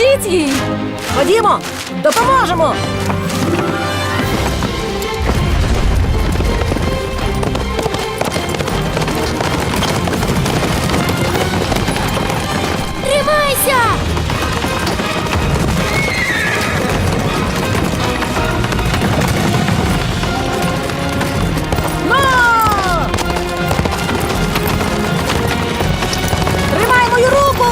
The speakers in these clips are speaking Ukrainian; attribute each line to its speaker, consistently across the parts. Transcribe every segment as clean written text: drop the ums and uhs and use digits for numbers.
Speaker 1: Допоможіть їй!
Speaker 2: Ходімо, допоможемо!
Speaker 1: Тримайся!
Speaker 2: Но! Тримай мою руку!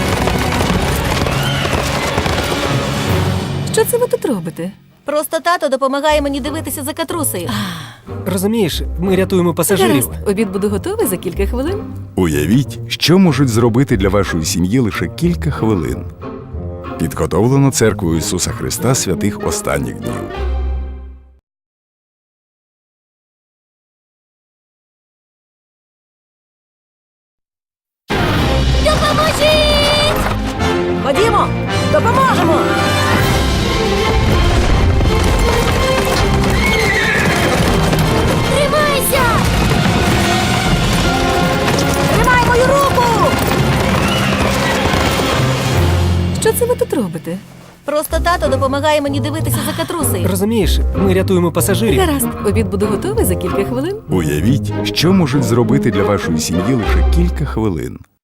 Speaker 1: Що це ви тут робите?
Speaker 2: Просто тато допомагає мені дивитися за Катрусею.
Speaker 3: Розумієш, ми рятуємо пасажирів.
Speaker 1: Гаразд, обід буде готовий за кілька хвилин.
Speaker 4: Уявіть, що можуть зробити для вашої сім'ї лише кілька хвилин. Підготовлено Церквою Ісуса Христа святих останніх днів.
Speaker 1: Допоможіть!
Speaker 2: Ходімо, допоможемо!
Speaker 1: Тримайся!
Speaker 2: Тримай мою руку!
Speaker 1: Що це ви тут робите?
Speaker 2: Просто тато допомагає мені дивитися за Катрусею.
Speaker 3: Розумієш, ми рятуємо пасажирів.
Speaker 1: Гаразд, обід буде готовий за кілька хвилин.
Speaker 4: Уявіть, що можуть зробити для вашої сім'ї лише кілька хвилин.